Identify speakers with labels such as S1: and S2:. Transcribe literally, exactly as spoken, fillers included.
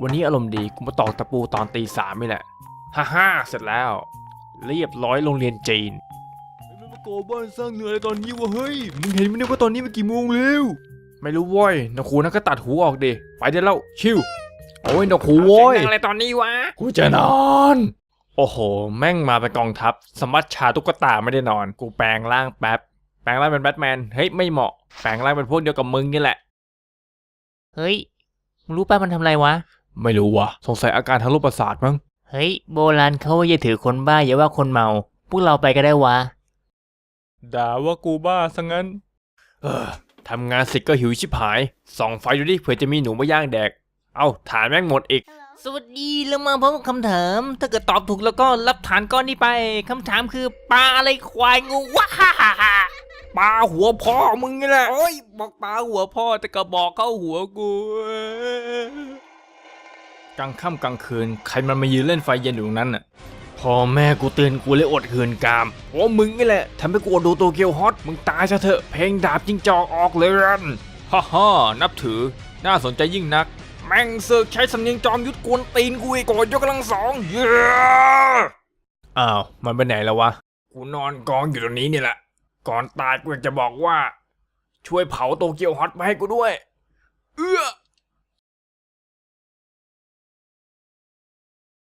S1: วันนี้อารมณ์ดีกูมาตอกตะปูตอนตีสามนี่แหละฮ่าฮ่าเสร็จแล้วเรียบร้อยโรงเรียนจีนมันมาก่อบ้านสร้างเนื้ออะไรตอนนี้วะเฮ้ยมึงเห็นไหมเนี่ยว่าตอนนี้มันกี่โมงแล้วไม่รู้ว้ยนกคูนั่นก็ตัดหูออกดิไปได้แล้วชิวโอ้ยนกคูโว้ยอะไรตอนนี้วะกูจะนอนโอ้โหแม่งมาเป็นกองทัพสมัชชาตุ๊กตาไม่ได้นอนกูแปลงร่างแป๊บแปลงร่างเป็นแบทแมนเฮ้ยไม่เหมาะแปลงร่างเป็นพวกเดียวกับมึงนี่แหละ
S2: เฮ้ยมึงรู้ป่ะมันทำอะไรวะ
S1: ไม่รู้วะสงสัยอาการทางโรคประสาทมั้ง
S2: เฮ้ยโบราณเขาอย่าถือคนบ้าอย่าว่าคนเมาพวกเราไปก็ได้วะ
S1: ด่าว่ากูบ้าซะงั้นเออทำงานเสร็จก็หิวชิบหายส่องไฟดูดิเผื่อจะมีหนูมาย่างแดกเอ้าฐานแม่งหมดอีก
S2: สวัสดีแล้วมาพร้อมกับคำถามถ้าเกิดตอบถูกแล้วก็รับฐานก้อนนี้ไปคำถามคือปลาอะไรควายงูว้าฮ่าฮ่าฮ่า
S1: ปลาหัวพ่อมึงนี่แหละ
S2: โอ้ยบอกปลาหัวพ่อแต่ก็บอกเข้าหัวกู
S1: กลางค่ำกลางคืนใครมันมายืนเล่นไฟเย็นอยู่ตรงนั้นน่ะพ่อแม่กูเตือนกูเลยอดคืนกามโอ้มึงนี่แหละทำให้กูอดดูโตเกียวฮอตมึงตายซะเถอะเพลงดาบจิงจอกออกเลยรันฮ่าฮ่านับถือน่าสนใจยิ่งนักแม่งเสือกใช้สำเนียงจอมยุทธกวนตีนกูอีกกอดยกกำลังสองเย้อ้าวมันไปไหนแล้ววะกูนอนกองอยู่ตรงนี้นี่แหละก่อนตายกูอยากจะบอกว่าช่วยเผาโตเกียวฮอตมาให้กูด้วยเอื้อ